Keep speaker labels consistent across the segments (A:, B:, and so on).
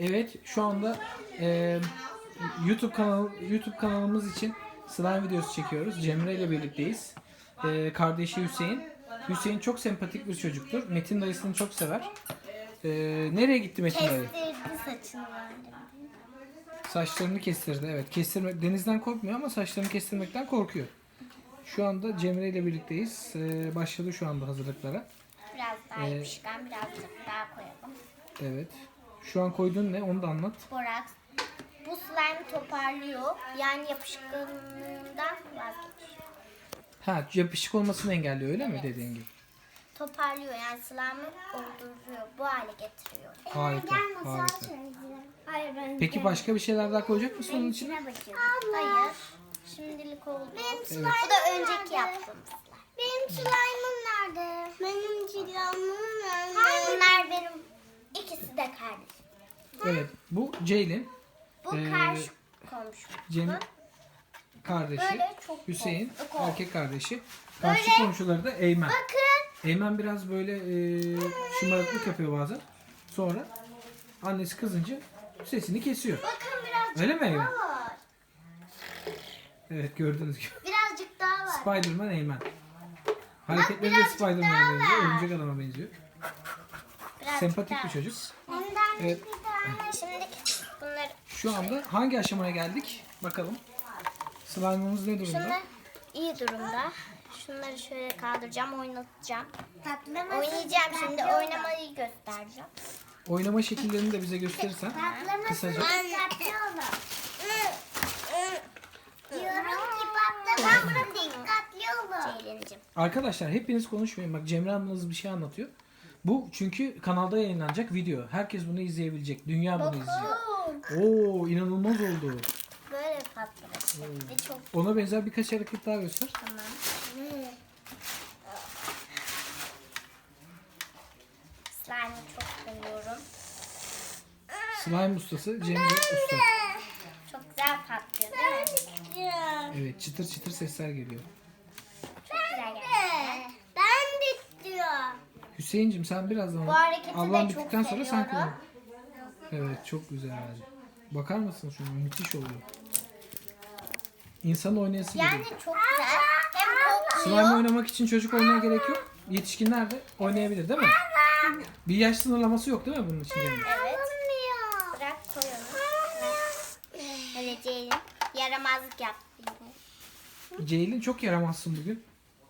A: Evet, şu anda YouTube kanalımız için slime videosu çekiyoruz. Cemre ile birlikteyiz. Kardeşi Hüseyin. Hüseyin çok sempatik bir çocuktur. Metin dayısını çok sever. Nereye gitti Metin dayı?
B: Kestirdi saçını bence.
A: Saçlarını kestirdi. Evet, denizden korkmuyor ama saçlarını kestirmekten korkuyor. Şu anda Cemre ile birlikteyiz. Başladı şu anda hazırlıklara.
B: Biraz daha yapışkan, birazcık daha koyalım.
A: Evet. Şu an koyduğun ne? Onu da anlat.
B: Boraks. Bu slime toparlıyor. Yani yapışkanlığından vazgeçiyor.
A: Ha, yapışık olmasını engelliyor öyle mi dediğin gibi?
B: Toparlıyor yani slime'ı olduruyor. Bu hale getiriyor.
A: Harika, harika.
B: Hayır ben
A: Peki başka bir şeyler daha koyacak mısın onun içine?
B: Hayır. Şimdilik oldu. Bu da önceki yaptığım slime. Benim slime'ım nerede? Benim slime'ım nerede? Bunlar benim ikisi de kardeşim.
A: Evet, bu Ceylin.
B: Bu karşı komşum.
A: Cem kardeşi,
B: Böyle çok
A: Hüseyin
B: korktuk.
A: erkek kardeşi. Karşı komşuları da Eymen.
B: Bakın.
A: Eymen biraz böyle şımarıklık yapıyor bazen. Sonra annesi kızınca sesini kesiyor.
B: Bakın birazcık
A: Öyle mi Eymen?
B: daha var.
A: Evet, gördüğünüz gibi.
B: Birazcık daha var.
A: Spiderman Eymen. Hareketleri de
B: birazcık
A: Spiderman'a
B: daha
A: benziyor.
B: var.
A: Örümcek adama benziyor.
B: Birazcık
A: Sempatik
B: daha.
A: bir çocuk.
B: Evet.
A: Evet.
B: Şimdi bunları
A: Şu anda hangi aşamaya geldik? Bakalım. Slime'ımız ne durumda?
B: şunlar iyi durumda. Şunları şöyle kaldıracağım, oynatacağım. Oynayacağım şimdi, oynamayı göstereceğim.
A: Oynama şekillerini de bize gösterirsen kısaca.
B: Diyorum ki patlamam, dikkatli olun. Ceylin'cim.
A: Arkadaşlar hepiniz konuşmayın. Bak Cemre ablanız bir şey anlatıyor. Bu çünkü kanalda yayınlanacak video. Herkes bunu izleyebilecek. Dünya bunu izleyecek. Oo, inanılmaz oldu.
B: Böyle patlamış. Ve çok
A: Ona benzer birkaç hareket daha göster.
B: tamam. Slime'ı çok seviyorum.
A: Slime ustası Cemre usta.
B: Çok güzel patlıyor değil mi?
A: Evet, çıtır çıtır sesler geliyor.
B: Çok güzel gerçekten. Ben de istiyorum.
A: Hüseyin'cim sen birazdan
B: Bu hareketi
A: ablam
B: de çok
A: bittikten sonra sen
B: seviyorum.
A: kullan. Evet, çok güzel. Bakar mısın şuna? Müthiş oluyor. İnsan oynayası
B: Yani
A: geliyor.
B: çok güzel. Hem
A: Slime
B: kokmuyor.
A: oynamak için çocuk oynamaya gerek yok. Yetişkinler de oynayabilir değil mi? Bir yaş sınırlaması yok değil mi bunun için Cemre?
B: Evet. Bırak koy onu. Öyle Ceylin. Yaramazlık yaptı yine.
A: Ceylin çok yaramazsın bugün.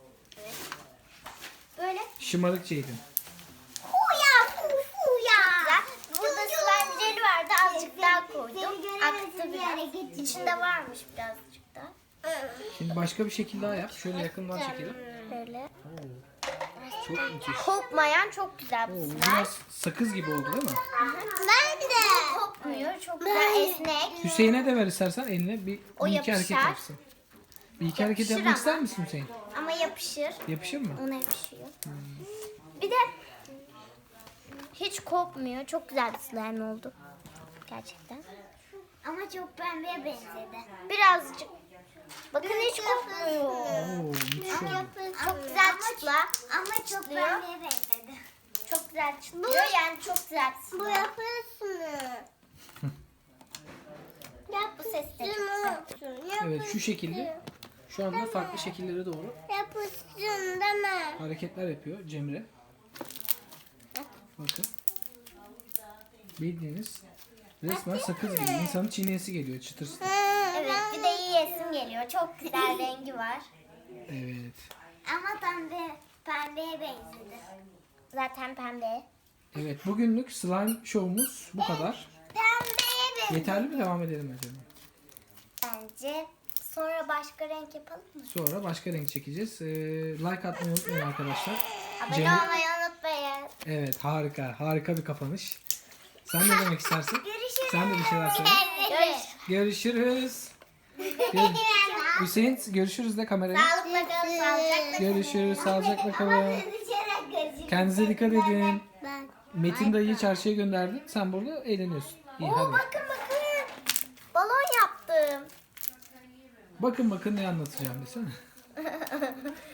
B: Böyle.
A: Şımarık Ceylin.
B: Huya. Huya. Burada slime jeli vardı. Azıcık daha koydum. Aktı biraz. İçinde varmış birazcık da.
A: Şimdi başka bir şekil daha yap. Şöyle yakından çekelim.
B: Böyle.
A: Çok müthiş.
B: Kopmayan çok güzel
A: Oo,
B: bir
A: bu
B: slime.
A: biraz sakız gibi oldu değil mi?
B: Ben de. Kopmuyor. Çok güzel esnek.
A: Hüseyin'e de ver istersen eline bir
B: O
A: iki hareket
B: yapışar.
A: yapsın. Bir iki hareket
B: Yapışır
A: yapmak
B: ama.
A: ister misin Hüseyin?
B: Ama yapışır.
A: Yapışır mı?
B: Ona yapışıyor. Bir de hiç kopmuyor. Çok güzel bir slime oldu. Gerçekten. Ama çok pembeye benzedi. Birazcık. Bakın hiç kopmuyor.
A: Oo, müthiş oldu.
B: Çok güzel çıtla. Ama çok pembeye benzedi. Çok güzel çıtlıyor. Yani çok güzel bir slime. Bu yapıyorsun. Bu ses de çok güzel.
A: Evet, şu şekilde. Şu anda farklı şekillere doğru
B: Yapışsın değil mi?
A: hareketler yapıyor Cemre. Bakın. Bildiğiniz resmen sakız gibi. İnsanın çiğneyesi geliyor çıtır çıtır.
B: Evet, bir de yiyesim geliyor. Çok güzel rengi var.
A: Evet.
B: Ama pembeye benzedi. Zaten pembe.
A: Evet, bugünlük slime show'umuz bu kadar.
B: Pembeye benzedi.
A: Yeterli mi, devam edelim mi acaba?
B: Bence sonra başka renk yapalım mı?
A: Sonra başka renk çekeceğiz. Like atmayı unutmayın arkadaşlar.
B: Abone
A: Cemre-
B: olmayı unutmayın.
A: Evet, harika. Harika bir kapanış. Sen ne demek istersin?
B: Görüşürüz.
A: Sen de bir şeyler söyle. Görüşürüz. Hüseyin görüşürüz de kameraya.
B: Sağlıkla kalın, sağlıcakla kalın.
A: Görüşürüz. Sağlıcakla kalın. Kendinize dikkat edin.
B: Ben.
A: Metin dayıyı çarşıya gönderdi. Sen burada eğleniyorsun. İyi
B: Oo,
A: hadi.
B: bakın. Balon yaptım.
A: Bakın ne anlatacağım desene.